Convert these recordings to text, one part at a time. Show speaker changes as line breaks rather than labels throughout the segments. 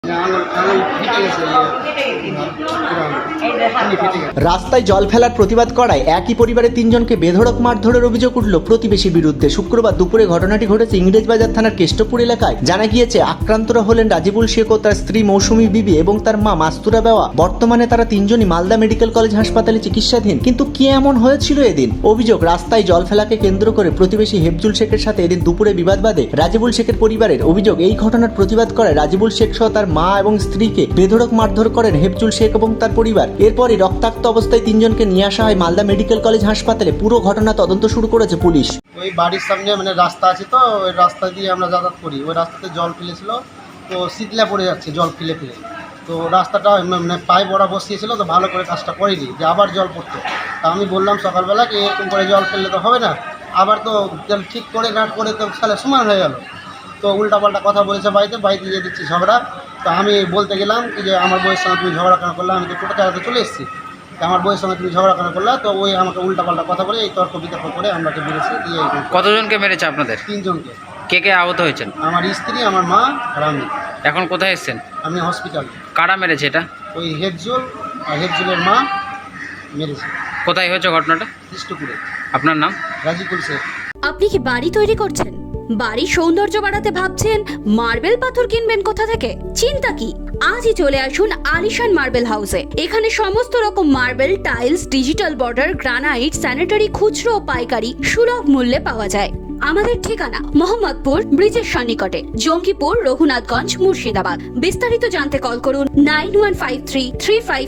রাস্তায় জল ফেলার প্রতিবাদ করায় একই পরিবারের তিনজনকে বেধড়ক মারধরের অভিযোগ উঠল প্রতিবেশীর বিরুদ্ধে। শুক্রবার দুপুরে ঘটনাটি ঘটেছে ইংরেজবাজার থানার কেষ্টপুর এলাকায়। জানা গিয়েছে আক্রান্তরা হলেন রাজিবুল শেখ ও তার স্ত্রী মৌসুমী বিবি এবং তার মা মাস্তুরা বেওয়া। বর্তমানে তারা তিনজনই মালদা মেডিকেল কলেজ হাসপাতালে চিকিৎসাধীন। কিন্তু কি এমন হয়েছিল এদিন? অভিযোগ, রাস্তায় জল ফেলাকে কেন্দ্র করে প্রতিবেশী হেফজুল শেখের সাথে এদিন দুপুরে বিবাদ বাধে রাজিবুল শেখের পরিবারের। অভিযোগ, এই ঘটনার প্রতিবাদ করে রাজিবুল শেখ সহ তার মা এবং স্ত্রীকে বেধড়ক মারধর করেন হেফজুল শেখ এবং তার পরিবার। এরপরই রক্তাক্ত অবস্থায় তিনজনকে নিয়ে আসা হয় মালদা মেডিকেল কলেজ হাসপাতালে। পুরো ঘটনা তদন্ত শুরু করেছে পুলিশ।
ওই বাড়ির সামনে মানে রাস্তা আছে, তো ওই রাস্তা দিয়ে আমরা যাতায়াত করি। ওই রাস্তাতে জল ফেলেছিল, তো শীতলা পড়ে যাচ্ছে জল ফেলে ফেলে। তো রাস্তাটা মানে পায়ে বড়া বসিয়েছিল, তো ভালো করে কাজটা করিনি, যে আবার জল পড়তো। তা আমি বললাম সকালবেলা কি এরকম করে জল ফেললে তো হবে না, আবার তো জল ঠিক করে না করে তো সালে সমান হয়ে গেল। তো উল্টাপাল্টা কথা বলেছে বাড়িতে দিয়ে দিচ্ছি ঝগড়া। তো আমি বলতে গেলাম কি যে আমার বউয়ের সঙ্গে তুমি ঝগড়া কেন করলে, আমি তো টোটো চালাতে চলে এসেছি, তো আমার বউয়ের সঙ্গে তুমি ঝগড়া কেন করলে। তো ওই আমাকে উল্টাপাল্টা কথা বলে এই তর্ক বিতর্ক করে আমরাকে বেড়েছি দিয়ে।
কতজনকে মেরেছে আপনাদের?
তিনজনকে।
কে কে আহত হয়েছেন?
আমার স্ত্রী, আমার মা আর আমি।
এখন কোথায় এসেছেন?
আমি হসপিটালে।
কারা মেরেছে এটা?
ওই হেফজুল আর হেফজুলের মা মেরেছে।
কোথায় হয়েছে ঘটনাটা?
কৃষ্ণপুরে।
আপনার নাম?
রাজিকুল শেখ।
আপনি কি বাড়ি তৈরি করছেন? বাড়ির সৌন্দর্য বাড়াতে ভাবছেন? মার্বেল পাথর কিনবেন কোথা থেকে? চিন্তা কি, আজই চলে আসুন আলিশান মার্বেল হাউসে। এখানে সমস্ত রকম marble, tiles, digital border, granite, sanitary খুচরো ও পাইকারি সুলভ মূল্যে পাওয়া যায়। আমাদের ঠিকানা মোহাম্মদপুর ব্রিজের সন্নিকটে, জঙ্গিপুর, রঘুনাথগঞ্জ, মুর্শিদাবাদ। বিস্তারিত জানতে কল করুন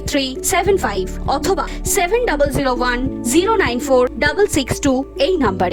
9153353755 অথবা 7001094662 এই নাম্বারে।